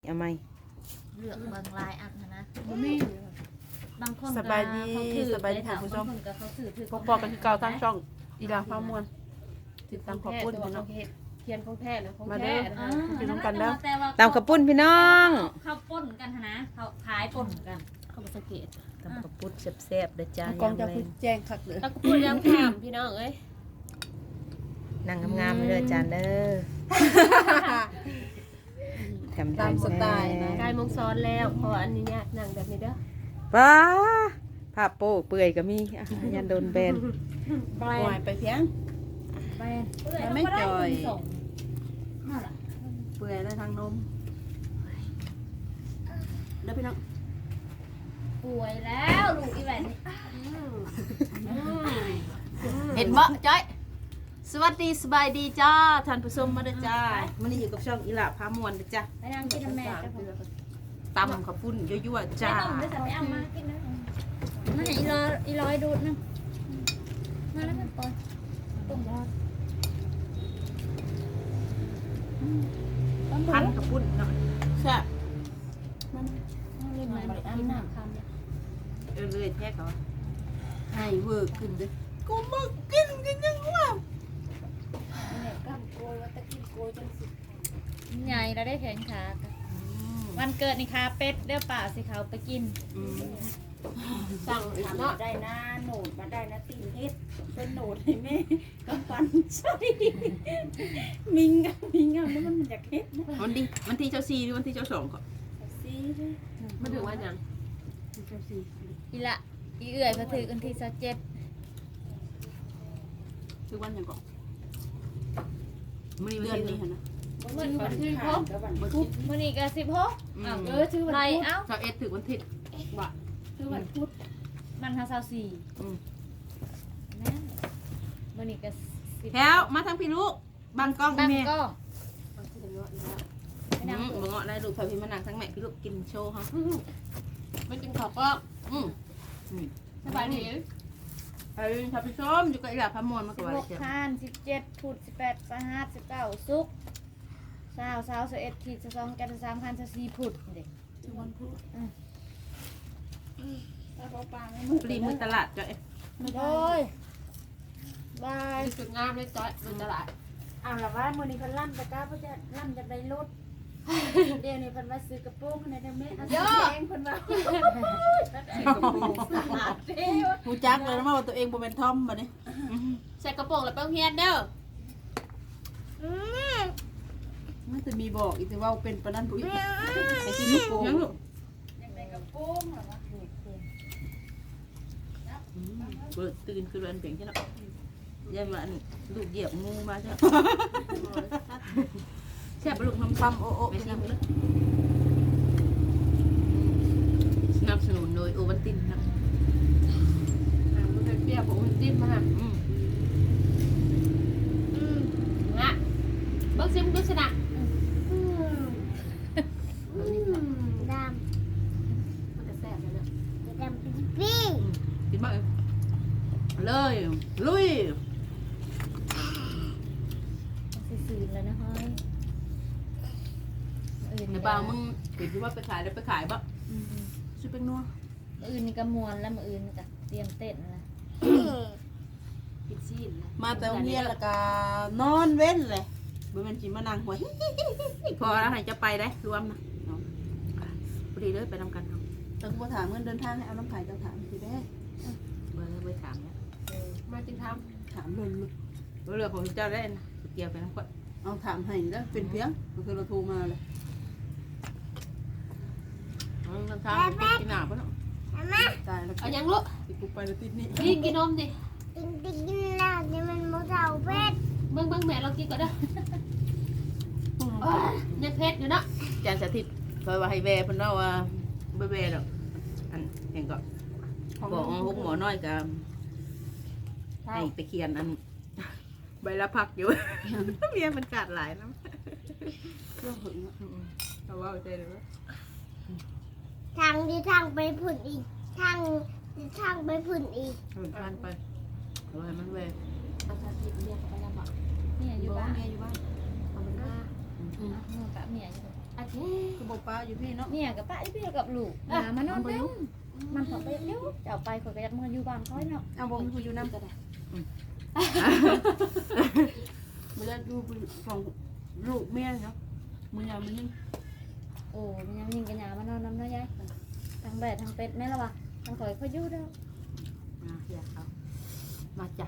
เอาไหมเลือกบางลายอันนะบางคนสบายดีสบายดีค่ะผู้ชมพอๆกันที่เก่าทั้งช่องอีลาฟ้ามวลติดตามขอบคุณพี่น้องเทียนของแท้นะของมาแท้เด้อนะพี่น้องกันเด้อแต่ว่ตามขอบคุณพี่น้องเขาป่นกันนะเขาขายป่นกันเข้ามาสังเกตตามขอบคุณแซ่บๆเด้อจ้ากองจะพูดแจ้งคักเลยแล้วก็พูดยังถามพี่น้องเอ้ยนั่งงามๆเลยจานเด้อตามสไตล์นะกายมงซ้อนแล้วเพราะอันนี้เนี่ยนั่งแบบนี้เด้อป้าผ้าโป้เปื่อยก็มีอ่ะยันโดนแบนปล่อยไปเพียงไปไม่จ่อยนั่นแหละเปื่อยแล้วทางนมเด้อพี่น้องป่วยแล้วลูกอีแหวนเห็นบ่จ้อยสวัสดีสบายดีจ้าท่านผู้ชมมาเด้อจ้ามื้อนี้อยู่กับช่องอีลาฟ้ามวลเด้อจ้าไปนั่งกินแม่จะผมตำขอบคุณยั่วๆไม่จ้าต้องไปสั่งไปเอามากินนะนั่นอีรอยดูดนะมาแล้วมันปล่อยต้มยอดพันขอบคุณเนาะแซ่บเล่นมากินน้ำคำเนี่ยเลยแท้เขาให้เวิร์กขึ้นเด้อกูมากินกันยังว่าใหญ่เราได้แข่งขากันวันเกิดนี่คาเป็ดเด้อป่าสิเขาไปกินสั่งเนาะได้นะโหนดมาได้นะตีนเฮ็ดเป็นโหนดให้แม่กำปั้นใช่มิงอ่ะแล้วมันอยากเฮ็ดนะวันที่เจ้าซีหรือวันที่เจ้าสองก็ซีมาถึงวันยังอีละอีเอื่อยเขาถือกันที่27 คือวันยังก่อนมื้อเดืนี้อนวันนี้นี้หั่นนะวันที่ขาดแล้ววันพุธมื้อนี้ก็16 อ้าวชื่อวันไรพุธเอ้าเจ้าเอ็ดถึงวันที่บ่ชื่อวันพุธมัน24 อืมแม่มื้อนี้ก็10 แถวมาทางพี่ลูกบางกล้องตั้งแม่ก็มันคือเนาะอีกแล้วไปนั่งบ่เงาะได้ลูกพาพี่มานั่งทั้งแม่พี่ลูกกินโชว์เฮาไม่กินข้าวก็อืมสบายดีไอ้ท่านผู้ชมอยู่กับอีหลาพามวลมาก็ว่าเชียว 16 5 17พุธ18 25 19ศุกร์20 21ขีด22กัน23 24พุธเด็กชื่อวันพุธถ้าเขาปลาไม่มืดปรีมือตลาดเจ้าเอ็ดโอ้ยบายสุดงามเลยจ้อยมันตลาดเอาละว่ามื้อนี้เพิ่นล่ำตะกร้าเพิ่นจะล่ำจากได้รถเดี๋ยวนี้เพิ่นว่าซื้อกระโปรงให้ได้แม่เอาสีแดงเพิ่นว่าฮู้จักเลยนะว่าตัวเองบ่แม่นทอมบัดนี้ใส่กระโปรงแล้วไปโรงเรียนเด้อมันจะมีบอกอีกแต่ว่าเป็นปานนั้นผู้อีกไอ้ที่ลูกโป่งยังลูกอยากได้กระโปรงเหรอวะเปิดตื่นคือเรือนเพียงใช่เนาะยันว่าอันลูกเหยียบงูมาใช่ไหมแซ่บลูกทำปั๊มโอ้โอ้ไม่ใช่เลยสนับสนุนโดยโอวัลตินครับมันเป็นเปรี้ยวผมมันจิ้มมาอืมฮะเบิ้งซิมดูสินะดมันจะแซ่บเลยนะำดำเป็นปิ้งกินบ้างเลยลุยสีแล้วนะเฮ้ยในบ่าวมึงเห็นว่าไปขายแล้วไปขายบ่ซื้อเป็นนัวอื่นนี่ก็มวนแล้วมืออื่นนี่ก็เตรียมเต้นแล้วกินซีนนะมาแต่โรงเรียนแล้วก็นอนเว้นเลยบ่แม่นสิมานั่งหัวพอแล้วไหนจะไปได้รวมนะพอดีเลยไปนำกันเนาะต้องมาถามเงินเดินทางให้เอาน้ำไผ่เจ้าถามสิแม่ไปถามเนี่ยมาจิงทถามเลยลูกเรือผมเจ้าได้นะเกี่ยวไปน้ำก่อนเอาถามให้แล้วเป็นเพียงก็คือเราโทรมาเลยทางไปกินหนาปะเนาะตายแล้วำเอายังลูกติดกูไปแล้วติดนี่กินนมดิกินแล้วนี่มันมะเร้าเป็ดเบิ้งแม่เรากินก่อนเด้อยังเพชรอยู่เนาะจานสาธิตเคยว่าให้แวเพิ่นเล่าว่าบ่แวดอกอันเห็นก็บอกฮุกหมอน้อยกับให้ไปเขียนอันใบละพักอยู่ เมียมันกัดหลายน้ำเรื่องหึงเขาว่าใจเลยว่าทางไปผุ่นอีกทางไปผุ่นอีกมันผ่านไปเราให้มันแวเอาชาติเรียกไปแล้วบอกเนี่ยอยู่บ้านเมียอยู่บ้านเอามันมานู่นกับเมียอยู่อาเจ๊คือบ่ป้าอยู่พี่เนาะเนี่ยกับป้าพี่กับลูกมามานอนเด้อมันถอดไปเดี๋ยวจะเอาไปคนก็ยัดมืออยู่บ้านค่อยเนาะเอาบ่มีผู้อยู่นำก็ได้บ่ได้ดูของลูกแม่เนาะมื้อยามมันยังโอ้มันยังยิงกันยามานอนน้ำน้อยยายทางแบดทางเป็ดแม่ละวะทางข่อยเขาอยู่เด้อมาอยากเอามาจ้ะ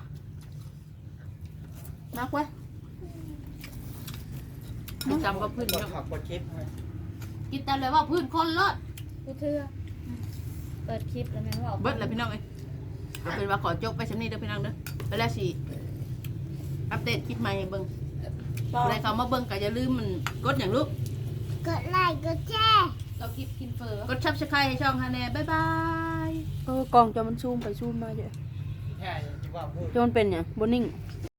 นักไว้จำว่าพื้นกดเนาะผักกดชิปให้กินแต่เลยว่าพื้นคนรอดกูเทื่อเปิดคลิปแล้วแม่ว่าเบิดเลยพี่น้องเอ้ยเอาเป็นว่าขอจบไปชั้นนี้เด้อพี่น้องเด้อไปแล้วสิอัปเดตคลิปใหม่ให้เบิ่งอะไรเขามาเบิ่งก็อย่าลืมมันกดอย่างลูกกดไลค์กดแชร์เรากินกินเฟอกด Subscribe ให้ช่องฮาแน่บ๊ายบายกล้องจะมันซูมไปซูมมาเยอะแค่ที่ว่าพูดจนเป็นอย่างบนนิ่งแ